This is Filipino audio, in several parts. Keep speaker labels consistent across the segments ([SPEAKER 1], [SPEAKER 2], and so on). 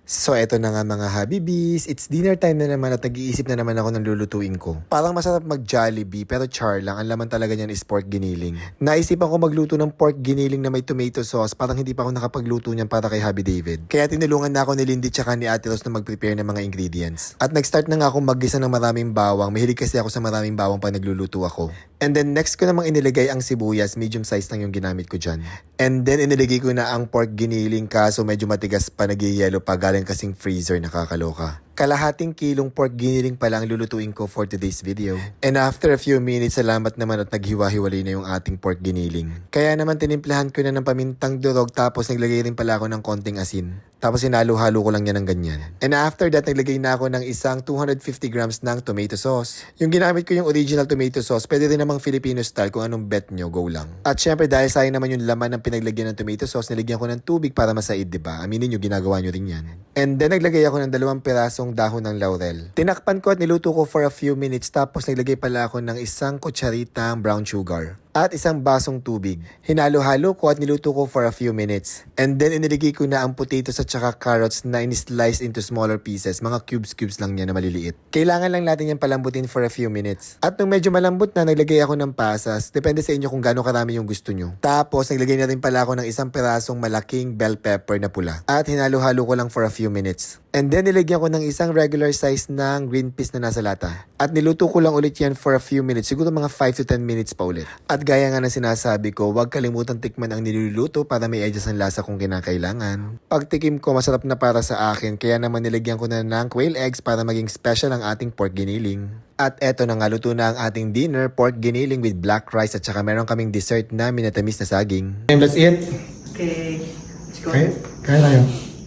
[SPEAKER 1] So eto na nga mga Habibis, it's dinner time na naman at nag-iisip na naman ako ng lulutuin ko. Parang masarap mag-Jollibee pero char lang, ang laman talaga niyan is pork giniling. Naisipan ko magluto ng pork giniling na may tomato sauce, parang hindi pa ako nakapagluto niyan para kay Habi David. Kaya tinulungan na ako ni Lindy tsaka ni Ate Rose na mag-prepare ng mga ingredients. At nag-start na nga akong mag-gisa ng maraming bawang, mahilig kasi ako sa maraming bawang pag nagluluto ako. And then next ko namang inilagay ang sibuyas, medium size lang yung ginamit ko dyan. And then inilagay ko na ang pork giniling kaso medyo matigas pa, nagyayelo pa, galing kasing freezer, nakakaloka. Kalahating kilong pork giniling pa lang lulutuin ko for today's video. And after a few minutes, salamat naman at naghiwa-hiwalay na yung ating pork giniling. Kaya naman tinimplahan ko na ng pamintang durog tapos naglagay rin pala ako ng konting asin. Tapos hinalo-halo ko lang yan ng ganyan. And after that, naglagay na ako ng isang 250 grams ng tomato sauce. Yung ginamit ko yung original tomato sauce, pwede rin namang Filipino style, kung anong bet nyo, go lang. At syempre dahil sayang naman yung laman ng pinaglagyan ng tomato sauce, nilagyan ko ng tubig para masaid, diba? Aminin nyo, ginagawa nyo rin yan. And then naglagay ako ng 2 pirasong dahon ng laurel. Tinakpan ko at niluto ko for a few minutes tapos naglagay pala ako ng isang kutsaritang brown sugar at isang basong tubig. Hinalo-halo ko at niluto ko for a few minutes. And then iniligay ko na ang potatoes at saka carrots na in-slice into smaller pieces. Mga cubes lang yan na maliliit. Kailangan lang natin yan palambutin for a few minutes. At nung medyo malambot na, naglagay ako ng pasas. Depende sa inyo kung gaano karami yung gusto nyo. Tapos naglagay na rin pala ako ng isang pirasong malaking bell pepper na pula. At hinalo-halo ko lang for a few minutes. And then nilagyan ko ng isang regular size ng green peas na nasa lata. At niluto ko lang ulit yan for a few minutes. Siguro mga 5 to 10 minutes pa ulit. At gaya nga ng sinasabi ko, huwag kalimutan tikman ang niluluto para may adjust ang lasa kung kinakailangan. Pagtikim ko, masarap na para sa akin. Kaya naman nilagyan ko na ng quail eggs para maging special ang ating pork giniling. At eto na nga, luto na ang ating dinner, pork giniling with black rice at saka meron kaming dessert na minatamis na saging. Let's eat!
[SPEAKER 2] Okay, let's go.
[SPEAKER 1] Okay, kaya tayo.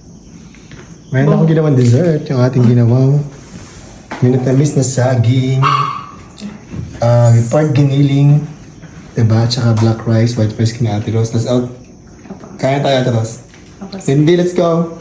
[SPEAKER 1] Mayroon akong ginawang dessert, yung ating ginawang minatamis na saging, pork giniling, diba? Tsaka black rice, white rice kina Ate Rose. Let's out. Kaya tayo, Ate Rose. Cindy, let's go!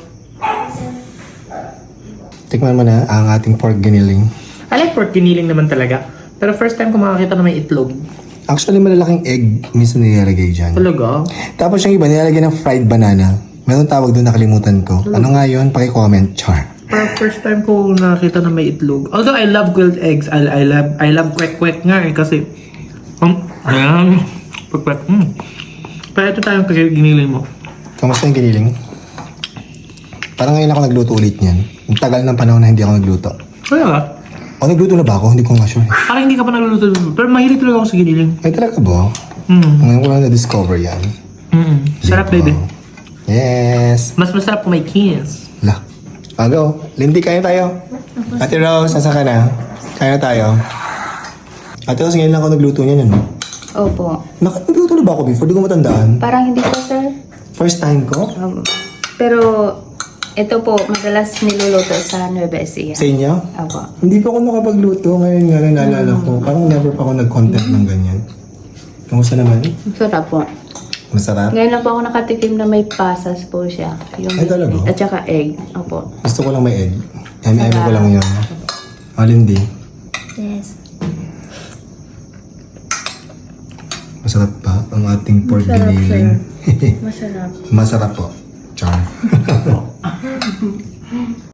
[SPEAKER 1] Tikman mo na ang ating pork giniling.
[SPEAKER 2] I like pork giniling naman talaga. Pero first time ko makakita na may itlog.
[SPEAKER 1] Actually, malalaking egg minsan nilalagay dyan.
[SPEAKER 2] Talaga?
[SPEAKER 1] Tapos yung iba, nilalagay ng fried banana. Meron tawag doon, nakalimutan ko. Ano nga yun? Paki-comment, char.
[SPEAKER 2] Pero first time ko nakakita na may itlog. Although I love grilled eggs. I love kwek-kwek nga eh. Kasi, ayan, kwek-kwek. Pero ito tayong giniling mo.
[SPEAKER 1] Kamusta yung giniling? Parang ngayon ako nagluto ulit niyan. Ang tagal ng panahon na hindi ako nagluto.
[SPEAKER 2] Kaya nga.
[SPEAKER 1] O nagluto na ba ako? Hindi ko nga sure.
[SPEAKER 2] Parang hindi ka pa nagluluto. Pero mahilig talaga ako sa giniling.
[SPEAKER 1] Ay talaga ba? Ngayon ko lang na-discover yan.
[SPEAKER 2] Sarap,
[SPEAKER 1] Diba?
[SPEAKER 2] baby.
[SPEAKER 1] Yes!
[SPEAKER 2] Mas masarap kung may kinis.
[SPEAKER 1] La. Go. Lindy, kaya tayo. Ate Rose, nasa ka na? Kaya tayo. Ate Rose, ngayon lang ako nagluto niyan, ano?
[SPEAKER 3] Opo.
[SPEAKER 1] Nagluto na ba ako before? Di ko matandaan.
[SPEAKER 3] Parang hindi po, sir.
[SPEAKER 1] First time ko?
[SPEAKER 3] Pero ito po, madalas niluluto sa Nueva Ecija.
[SPEAKER 1] Sa inyo?
[SPEAKER 3] Opo.
[SPEAKER 1] Hindi pa ako nakapagluto. Ngayon nga na naalala ko. Parang never pa ako nag-content ng ganyan. Kamusta naman?
[SPEAKER 3] Sarap po.
[SPEAKER 1] Masarap?
[SPEAKER 3] Ngayon lang po ako nakatikim na may pasas po siya. Yung
[SPEAKER 1] Ay, talaga?
[SPEAKER 3] At saka egg. Opo.
[SPEAKER 1] Gusto ko lang may egg. Emi ko lang yun. Lindy.
[SPEAKER 3] Yes.
[SPEAKER 1] Masarap pa ang ating pork
[SPEAKER 3] Masarap,
[SPEAKER 1] giniling.
[SPEAKER 3] Masarap.
[SPEAKER 1] Masarap po. Char.